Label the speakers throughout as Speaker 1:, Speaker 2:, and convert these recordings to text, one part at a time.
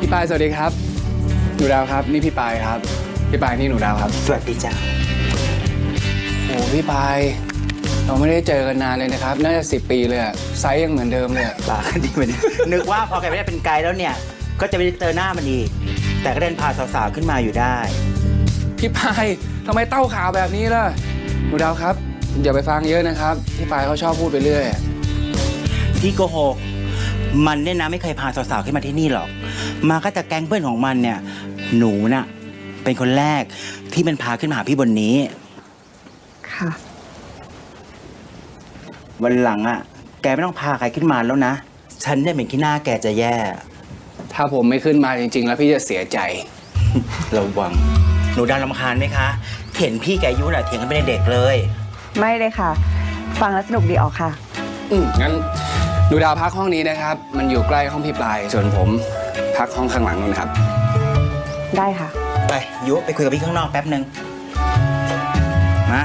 Speaker 1: ปายสวัสดีครับหนูดาวครับนี่พี่ปายครับพี่ปายนี่หนูดาวครับ
Speaker 2: สวัสดีจ้า
Speaker 1: โอ้พี่ปายเราไม่ได้เจอกันนานเลยนะครับน่าจะ10 ปีเลยอะไซส์ยังเหมือนเดิมเลย
Speaker 2: ปากดีเหมือนนึกว่าพอแกไม่ได้เป็นไกด์แล้วเนี่ยก็จะไม่ได้เจอหน้ามันอีกแต่ก็เดินพาสาวๆขึ้นมาอยู่ได้
Speaker 1: พี่ปายทำไมเต้าข่าวแบบนี้ล่ะหนูดาวครับอย่าไปฟังเยอะนะครับพี่ปายเขาชอบพูดไปเรื่อย
Speaker 2: พี่โกหกมันเนี่ยนะไม่เคยพาสาวๆขึ้นมาที่นี่หรอกมาก็จะแก๊งเพื่อนของมันเนี่ยหนูน่ะเป็นคนแรกที่มันพาขึ้นมาหาพี่บนนี้
Speaker 3: ค่ะ
Speaker 2: วันหลังอ่ะแกไม่ต้องพาใครขึ้นมาแล้วนะฉันเนี่ยเป็นขี้หน้าแกจะแย่
Speaker 1: ถ้าผมไม่ขึ้นมาจริงๆแล้วพี่จะเสียใจ
Speaker 2: ระวังหนูดาวรำคาญไหมคะเห็นพี่แกอายุน่ะเถียงกันเป็นเด็กเลย
Speaker 3: ไม่เลยค่ะฟังแล้วสนุกดีออกค่ะ
Speaker 1: งั้นหนูดาวพักห้องนี้นะครับมันอยู่ใกล้ห้องพี่ปลายส่วนผมพักห้องข้างหลังนู่นครับ
Speaker 3: ได้ค่ะ
Speaker 2: ไปยุไปคุยกับพี่ข้างนอกแป๊บนึงมา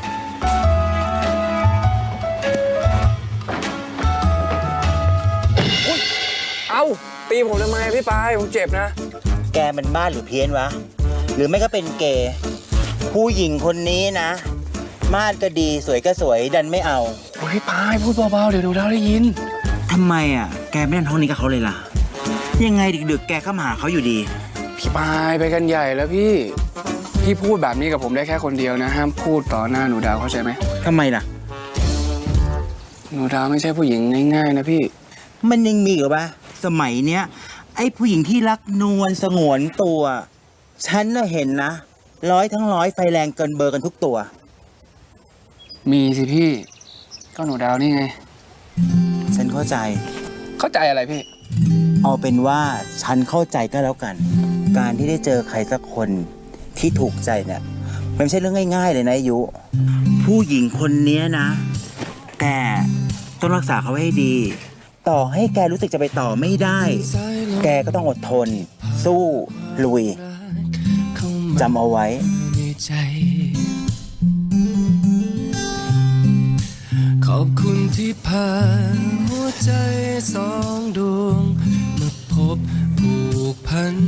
Speaker 1: เอ้าตีผมทำไมพี่ปายผมเจ็บนะ
Speaker 2: แกมันบ้าหรือเพี้ยนวะหรือไม่ก็เป็นเกย์ผู้หญิงคนนี้นะมาดก็ดีสวยก็สวยดันไม่เอา
Speaker 1: โอ้ยพี่ปายพูดเบาๆเดี๋ยวหนูดาวได้ยิน
Speaker 2: ทำไมอ่ะแกไม่เล่นห้องนี้กับเขาเลยล่ะยังไงดึกๆแกก็มาหาเขาอยู่ดี
Speaker 1: พี่ปายไปกันใหญ่แล้วพี่พูดแบบนี้กับผมได้แค่คนเดียวนะห้ามพูดต่อหน้าหนูดาวเข้าใจไหม
Speaker 2: ทำไมล่ะ
Speaker 1: หนูดาวไม่ใช่ผู้หญิงง่ายๆนะพี่
Speaker 2: มันยังมีเหรอวะสมัยเนี้ยไอ้ผู้หญิงที่รักนวลสงวนตัวฉันน่ะเห็นนะ100 ทั้ง 100ไฟแรงเกินเบอร์กันทุกตัว
Speaker 1: มีสิพี่ก็หนูดาวนี่ไง
Speaker 2: ฉันเข้าใจ
Speaker 1: อะไรพี่
Speaker 2: เอาเป็นว่าฉันเข้าใจก็แล้วกันการที่ได้เจอใครสักคนที่ถูกใจเนี่ยมันไม่ใช่เรื่องง่ายๆเลยนะยุผู้หญิงคนนี้นะแต่ต้องรักษาเขาให้ดีต่อให้แกรู้สึกจะไปต่อไม่ได้แกก็ต้องอดทนสู้ลุยจำเอาไว้
Speaker 4: ขอบคุณที่พาหัวใจ2 ดวงมาพบผูกพัน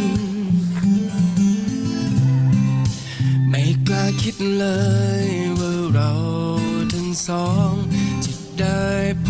Speaker 4: ไม่กล้าคิดเลยว่าเราทั้งสองจะได้พ